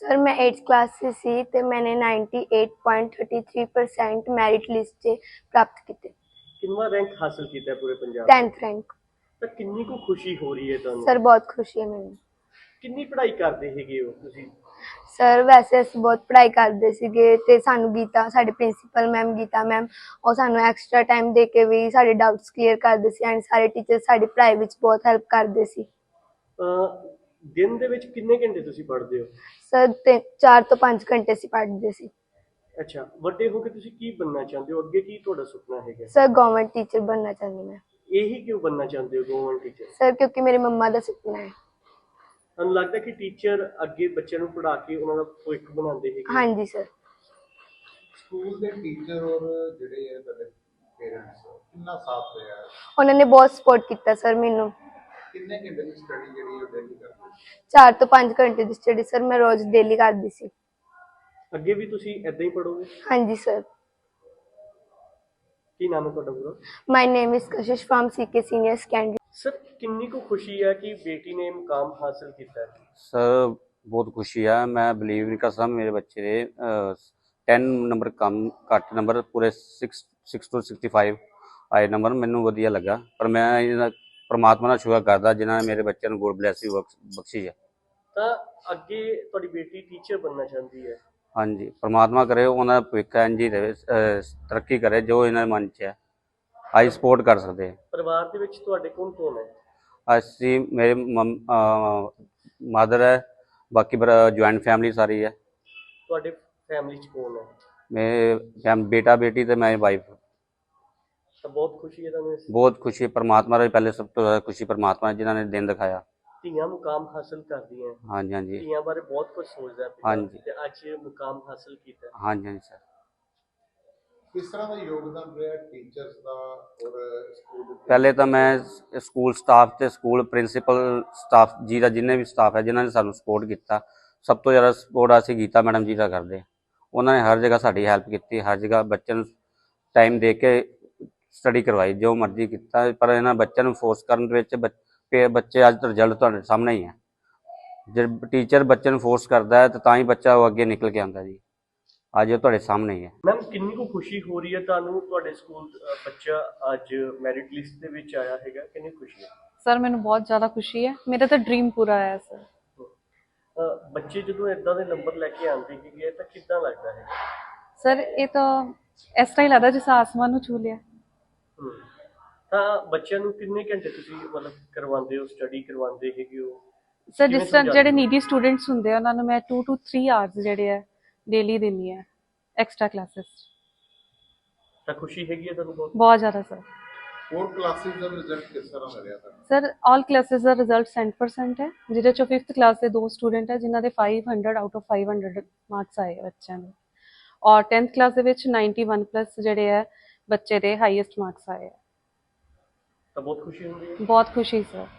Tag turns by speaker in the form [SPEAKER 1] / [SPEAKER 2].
[SPEAKER 1] Sir मैं 8th class से सी ते मैंने 98.33% मैरिट लिस्ट से प्राप्त किए।
[SPEAKER 2] कितना रैंक हासिल किया है पूरे पंजाब
[SPEAKER 1] 10th रैंक।
[SPEAKER 2] तो कितनी को खुशी हो रही है ਤੁਹਾਨੂੰ?
[SPEAKER 1] सर बहुत खुशी है मैंने।
[SPEAKER 2] कितनी पढ़ाई करते ਹੈਗੇ ਹੋ ਤੁਸੀਂ?
[SPEAKER 1] सर वैसे ਅਸੀਂ ਬਹੁਤ ਪੜ੍ਹਾਈ ਕਰਦੇ ਸੀਗੇ ਤੇ ਸਾਨੂੰ ਗੀਤਾ ਸਾਡੇ ਪ੍ਰਿੰਸੀਪਲ ਮੈਮ ਗੀਤਾ ਮੈਮ ਉਹ ਸਾਨੂੰ ਐਕਸਟਰਾ ਟਾਈਮ ਦੇ ਕੇ ਵੀ ਸਾਡੇ ਡਾਊਟਸ ਕਲੀਅਰ ਕਰਦੇ ਸੀ ਐਂਡ ਸਾਰੇ ਟੀਚਰ ਸਾਡੀ ਪੜ੍ਹਾਈ ਵਿੱਚ ਬਹੁਤ ਹੈਲਪ ਕਰਦੇ ਸੀ।
[SPEAKER 2] ਦਿਨ ਦੇ ਵਿੱਚ ਕਿੰਨੇ ਘੰਟੇ ਤੁਸੀਂ ਪੜ੍ਹਦੇ ਹੋ?
[SPEAKER 1] ਸਰ 4 ਤੋਂ 5 ਘੰਟੇ ਅਸੀਂ ਪੜ੍ਹਦੇ ਸੀ।
[SPEAKER 2] ਅੱਛਾ, ਵੱਡੇ ਹੋ ਕੇ ਤੁਸੀਂ ਕੀ ਬਣਨਾ ਚਾਹੁੰਦੇ ਹੋ? ਅੱਗੇ ਕੀ ਤੁਹਾਡਾ ਸੁਪਨਾ ਹੈਗਾ?
[SPEAKER 1] ਸਰ ਗਵਰਨਮੈਂਟ ਟੀਚਰ ਬਣਨਾ ਚਾਹੁੰਦੀ ਮੈਂ।
[SPEAKER 2] ਇਹੀ ਕਿਉਂ ਬਣਨਾ ਚਾਹੁੰਦੇ ਹੋ ਗਵਰਨਮੈਂਟ ਟੀਚਰ?
[SPEAKER 1] ਸਰ ਕਿਉਂਕਿ ਮੇਰੇ ਮੰਮਾ ਦਾ ਸੁਪਨਾ ਹੈ।
[SPEAKER 2] ਤੁਹਾਨੂੰ ਲੱਗਦਾ ਕਿ ਟੀਚਰ ਅੱਗੇ ਬੱਚਿਆਂ ਨੂੰ ਪੜ੍ਹਾ ਕੇ ਉਹਨਾਂ ਦਾ ਭਵਿੱਖ ਬਣਾਉਂਦੇ ਹੈਗੇ?
[SPEAKER 1] ਹਾਂਜੀ ਸਰ।
[SPEAKER 3] ਸਕੂਲ ਦੇ ਟੀਚਰ ਔਰ ਜਿਹੜੇ ਹੈ ਤੁਹਾਡੇ ਪੇਰੈਂਟਸ ਕਿੰਨਾ ਸਾਥ ਰਿਹਾ?
[SPEAKER 1] ਉਹਨਾਂ ਨੇ ਬਹੁਤ ਸਪੋਰਟ ਕੀਤਾ ਸਰ ਮੈਨੂੰ।
[SPEAKER 3] ਕਿੰਨੇ ਘੰਟੇ ਦੀ ਸਟੱਡੀ ਜਿਹੜੀ ਉਹ ਡੇਲੀ ਕਰਦੇ?
[SPEAKER 1] 4 ਤੋਂ 5 ਘੰਟੇ ਦੀ ਸਟੱਡੀ ਸਰ ਮੈਂ ਰੋਜ਼ ਡੇਲੀ ਕਰਦੀ ਸੀ।
[SPEAKER 2] ਅੱਗੇ ਵੀ ਤੁਸੀਂ ਏਦਾਂ ਹੀ ਪੜ੍ਹੋਗੇ?
[SPEAKER 1] ਹਾਂਜੀ ਸਰ।
[SPEAKER 2] ਕੀ ਨਾਮ ਹੈ ਤੁਹਾਡਾ ਪੂਰਾ?
[SPEAKER 1] My name is Kashish from CK senior secondary.
[SPEAKER 2] Sir ਕਿੰਨੀ ਕੁ ਖੁਸ਼ੀ ਹੈ ਕਿ बेटी ने मुकाम हासिल किया है?
[SPEAKER 4] सर बहुत खुशी है। मैं बिलीव नहीं कर सकता मेरे बच्चे ने 10 नंबर कम घट नंबर पूरे 6 to 65 आए नंबर मैनू वधिया लगा। पर मैं परमात्मा का शुक्र करदा जिन्होंने मेरे बच्चे को गुड ब्लैसिंग बख्शी है।
[SPEAKER 2] ਤਾਂ ਅੱਗੇ ਤੁਹਾਡੀ ਬੇਟੀ ਟੀਚਰ बनना ਚਾਹੁੰਦੀ है?
[SPEAKER 4] हाँ जी, परमात्मा करे उन्होंने भविख इंज ही रहे, तरक्की करे जो इन्होंने मन च है अस सपोर्ट कर सकते हैं।
[SPEAKER 2] ਪਰਿਵਾਰ ਦੇ ਵਿੱਚ ਤੁਹਾਡੇ ਕੌਣ ਕੌਣ ਹੈ?
[SPEAKER 4] असी मेरे मदर है, बाकी जॉइंट फैमिली सारी है।
[SPEAKER 2] ਤੁਹਾਡੇ ਫੈਮਿਲੀ ਚ ਕੌਣ ਹੈ?
[SPEAKER 4] मेरे बेटा बेटी तो मेरी वाइफ।
[SPEAKER 2] ਤਾਂ ਬਹੁਤ ਖੁਸ਼ੀ ਹੈ ਤੁਹਾਨੂੰ?
[SPEAKER 4] बहुत खुशी परमात्मा की पहले सब तो ज़्यादा खुशी परमात्मा जिन्होंने दिन दिखाया।
[SPEAKER 2] ਧੀਆਂ ਮੁਕਾਮ ਹਾਸਲ ਕਰਦੀਆਂ?
[SPEAKER 4] हाँ जी हाँ जी
[SPEAKER 2] ਧੀਆਂ ਬਾਰੇ ਬਹੁਤ ਕੁਝ ਸੋਚਦਾ ਹੈ
[SPEAKER 4] हाँ
[SPEAKER 2] ਪਿਤਾ
[SPEAKER 4] जी
[SPEAKER 2] ਤੇ ਅੱਜ ਮੁਕਾਮ ਹਾਸਲ ਕੀਤਾ।
[SPEAKER 4] हाँ जी हाँ जी सर।
[SPEAKER 3] ਕਿਸ ਤਰ੍ਹਾਂ ਦਾ ਯੋਗਦਾਨ ਰਿਹਾ ਟੀਚਰਸ ਦਾ ਔਰ ਸਕੂਲ ਦੇ?
[SPEAKER 4] पहले तो मैं स्कूल स्टाफ ਤੇ स्कूल प्रिंसीपल स्टाफ जी का जिन्हें भी स्टाफ है जिन्होंने सानू सपोर्ट किया। सब तो ज़्यादा सपोर्ट असीं गीता मैडम जी का करते। उन्होंने हर जगह साड़ी हैल्प की, हर जगह बच्चों टाइम दे के स्टडी करवाई जो मर्जी किया। पर इन्होंने बच्चों फोर्स करने बच्चे अज रिजल्ट तुहाडे सामने ही है। जो टीचर बच्चे फोर्स करता है तो ही बच्चा वो अगे निकल के आता जी। ਅੱਜ ਉਹ ਤੁਹਾਡੇ ਸਾਹਮਣੇ ਹੀ ਹੈ।
[SPEAKER 2] ਮੈਮ ਕਿੰਨੀ ਕੁ ਖੁਸ਼ੀ ਹੋ ਰਹੀ ਹੈ ਤੁਹਾਨੂੰ ਤੁਹਾਡੇ ਸਕੂਲ ਬੱਚਾ ਅੱਜ ਮੈਰਿਟ ਲਿਸਟ ਦੇ ਵਿੱਚ ਆਇਆ ਹੈਗਾ? ਕਿੰਨੀ ਖੁਸ਼ੀ ਹੈ?
[SPEAKER 5] ਸਰ ਮੈਨੂੰ ਬਹੁਤ ਜ਼ਿਆਦਾ ਖੁਸ਼ੀ ਹੈ। ਮੇਰਾ ਤਾਂ ਡ੍ਰੀਮ ਪੂਰਾ ਹੋਇਆ ਸਰ।
[SPEAKER 2] ਬੱਚੇ ਜਦੋਂ ਇਦਾਂ ਦੇ ਨੰਬਰ ਲੈ ਕੇ ਆਉਂਦੇ ਹੈਗੇ ਤਾਂ ਕਿੱਦਾਂ ਲੱਗਦਾ ਹੈ?
[SPEAKER 5] ਸਰ ਇਹ ਤਾਂ ਇਸ ਤਰ੍ਹਾਂ ਹੀ ਲੱਗਦਾ ਜਿਵੇਂ ਆਸਮਾਨ ਨੂੰ ਛੂ ਲਿਆ।
[SPEAKER 2] ਤਾਂ ਬੱਚਿਆਂ ਨੂੰ ਕਿੰਨੇ ਘੰਟੇ ਤੁਸੀਂ ਮਤਲਬ ਕਰਵਾਉਂਦੇ ਹੋ, ਸਟੱਡੀ ਕਰਵਾਉਂਦੇ ਹੈਗੇ ਹੋ?
[SPEAKER 5] ਸਰ ਜਿਸ ਤਰ੍ਹਾਂ ਜਿਹੜੇ ਨੀਡੀ ਸਟੂਡੈਂਟਸ ਹੁੰਦੇ ਆ ਉਹਨਾਂ ਨੂੰ ਮੈਂ 2 to 3 ਆਵਰਸ ਜਿਹੜੇ ਆ ਡੇਲੀ ਦਿੰਦੀ ਆ ਐਕਸਟਰਾ ਕਲਾਸਿਸ।
[SPEAKER 2] ਤਾਂ ਖੁਸ਼ੀ ਹੈਗੀ ਹੈ ਤੁਹਾਨੂੰ ਬਹੁਤ?
[SPEAKER 5] ਬਹੁਤ ਜ਼ਿਆਦਾ ਸਰ।
[SPEAKER 3] ਹੋਰ ਕਲਾਸਿਸ ਦਾ ਰਿਜ਼ਲਟ ਕਿਸ ਤਰ੍ਹਾਂ ਦਾ ਰਿਹਾ ਤੁਹਾਨੂੰ?
[SPEAKER 5] ਸਰ ਆਲ ਕਲਾਸਿਸ ਦਾ ਰਿਜ਼ਲਟ 100% ਹੈ, ਜਿਹਦੇ ਚੋਂ 5th ਕਲਾਸ ਦੇ 2 ਸਟੂਡੈਂਟ ਹੈ ਜਿਨ੍ਹਾਂ ਦੇ 500 ਆਊਟ ਆਫ 500 ਮਾਰਕਸ ਆਏ ਬੱਚਿਆਂ ਦੇ, ਔਰ 10th ਕਲਾਸ ਦੇ ਵਿੱਚ 91 ਪਲੱਸ ਜਿਹੜੇ ਹੈ ਬੱਚੇ ਦੇ ਹਾਈਐਸਟ ਮਾਰਕਸ ਆਏ ਆ।
[SPEAKER 2] ਤਾਂ ਬਹੁਤ ਖੁਸ਼ੀ ਹੁੰਦੀ ਹੈ?
[SPEAKER 5] ਬਹੁਤ ਖੁਸ਼ੀ ਸਰ।